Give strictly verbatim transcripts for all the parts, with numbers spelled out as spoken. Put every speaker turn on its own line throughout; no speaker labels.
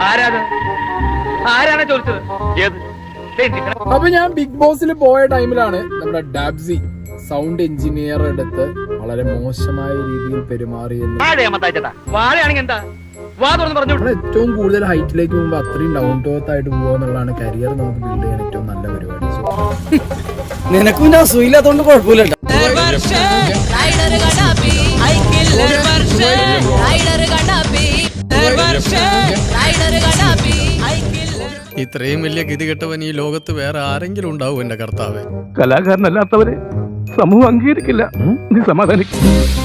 അപ്പൊ ഞാൻ ബിഗ് ബോസിൽ പോയ ടൈമിലാണ് നമ്മുടെ ഡാബ്സി സൗണ്ട് എഞ്ചിനീയർ എടുത്ത് വളരെ മോശമായ രീതിയിൽ പെരുമാറിയെന്ന്. ഏറ്റവും കൂടുതൽ ഹൈറ്റിലേക്ക് പോകുമ്പോൾ അത്രയും ഡൗൺ ടു എർത്ത് ആയിട്ട് പോകുക എന്നുള്ളതാണ് കരിയർ നമുക്ക് ബിൽഡ് ചെയ്യാൻ ഏറ്റവും നല്ല പരിപാടി.
നിനക്കും ഞാൻ സുഖമില്ലാത്തോണ്ട് കുഴപ്പമില്ല.
ഇത്രയും വലിയ ഗതികെട്ടവൻ ഈ ലോകത്ത് വേറെ ആരെങ്കിലും ഉണ്ടാവും എന്റെ കർത്താവേ.
കലാകാരനല്ലാത്തവരെ സമൂഹം അംഗീകരിക്കില്ല. നീ സമാധാനിക്കും.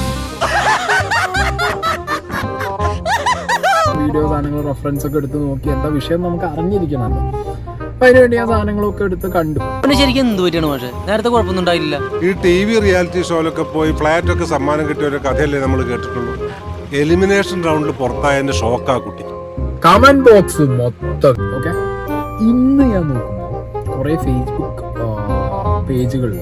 വീഡിയോ സാധനങ്ങൾ റെഫറൻസ് ഒക്കെ എടുത്ത് നോക്കി എന്താ വിഷയം നമുക്ക് അറിഞ്ഞിരിക്കണമല്ലോ. അപ്പൊ അതിനുവേണ്ടി ആ സാധനങ്ങളൊക്കെ എടുത്ത് കണ്ടു.
ശരിക്കും എന്ത് പറ്റിയാണ് പക്ഷേ നേരത്തെ കുഴപ്പമൊന്നും ഉണ്ടായില്ല.
ഈ ടി വി റിയാലിറ്റി ഷോയിലൊക്കെ പോയി ഫ്ലാറ്റ് ഒക്കെ സമ്മാനം കിട്ടിയ ഒരു കഥയല്ലേ നമ്മൾ കേട്ടിട്ടുള്ളൂ. എലിമിനേഷൻ റൗണ്ടിൽ പുറത്തായതിന്റെ ഷോക്കാ കുട്ടി.
കമന്റ് ബോക്സ് മൊത്തം ഓക്കെ. ഇന്ന് ഞാൻ നോക്കുമ്പോൾ കുറെ ഫേസ്ബുക്ക് പേജുകളിൽ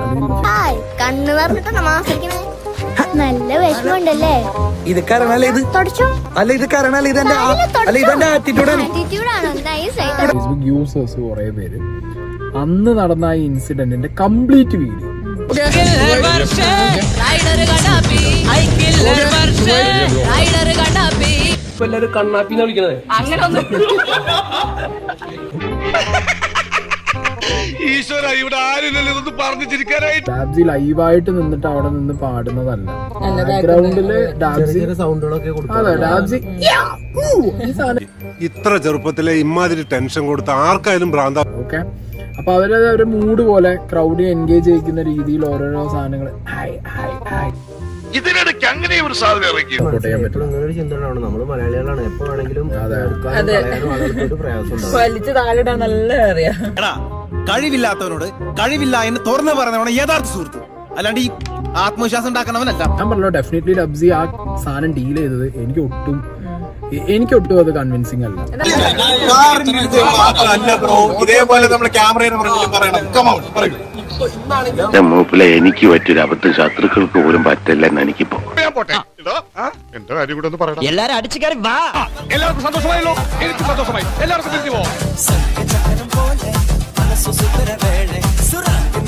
നല്ല വിഷമമുണ്ടല്ലേ.
ഇത് കാരണല്ലേ ഇത് അല്ല ഇത് കാരണല്ലേ ഇതെന്റെ അല്ല ഇതെന്റെ ആറ്റിറ്റ്യൂഡാണ്.
ഫേസ്ബുക്ക് യൂസേഴ്സ് കുറെ പേര് അന്ന് നടന്ന ആ ഇൻസിഡന്റിന്റെ കംപ്ലീറ്റ് വീഡിയോ
എല്ലാരും കണ്ണാപ്പിന്ന് വിളിക്കണത്.
ഡാബ്സി ലൈവായിട്ട് നിന്നിട്ട് അവിടെ നിന്ന് പാടുന്നതല്ല. ബാക്ക്ഗ്രൗണ്ടില് ഡാബ്സി അതെ ഡാബ്സി
ഇത്ര ചെറുപ്പത്തിലെ ഇമാതിരി ടെൻഷൻ കൊടുത്ത ആർക്കായാലും ഭ്രാന്ത.
ഓക്കെ. അപ്പൊ അവര് ഒരു മൂഡ് പോലെ ക്രൗഡിനെ എൻഗേജ് ചെയ്യിക്കുന്ന രീതിയിൽ ഓരോരോ സാധനങ്ങൾ
ഇതിനിടയ്ക്ക് അങ്ങനെ ഒരു സാധനം ഇറക്കി.
നമ്മള് മലയാളികളാണ്. എപ്പോ വേണമെങ്കിലും
വലിച്ചു താലിടാൻ നല്ല അറിയാം.
കഴിവില്ലാത്തവനോട് കഴിവില്ല എന്ന് തുറന്നു പറഞ്ഞവനാണ് യഥാർത്ഥ സുഹൃത്ത്, അല്ലാണ്ട് ഈ ആത്മവിശ്വാസം ഉണ്ടാക്കണവനല്ല.
ഞാൻ പറഞ്ഞല്ലോ ഡെഫിനറ്റ്ലി ഡബ്സി ആ സാധനം ഡീൽ ചെയ്തത് എനിക്ക് ഒട്ടും എനിക്ക് ഒട്ടും അത് കൺവിൻസിങ് അല്ല.
ഇതേപോലെ നമ്മൾ ക്യാമറയുടെ
മൂപ്പിലെ എനിക്ക് പറ്റിയൊരു അബദ്ധം ശത്രുക്കൾക്ക് പോലും പറ്റില്ലെന്ന് എനിക്കിപ്പോ. എന്റെ കാര്യം കൂടെ ഒന്ന് പറയണം.
എല്ലാരും അടിച്ചു കയറി വാ.
എല്ലാവർക്കും സന്തോഷമായല്ലോ. എനിക്ക് സന്തോഷമായി. എല്ലാവർക്കും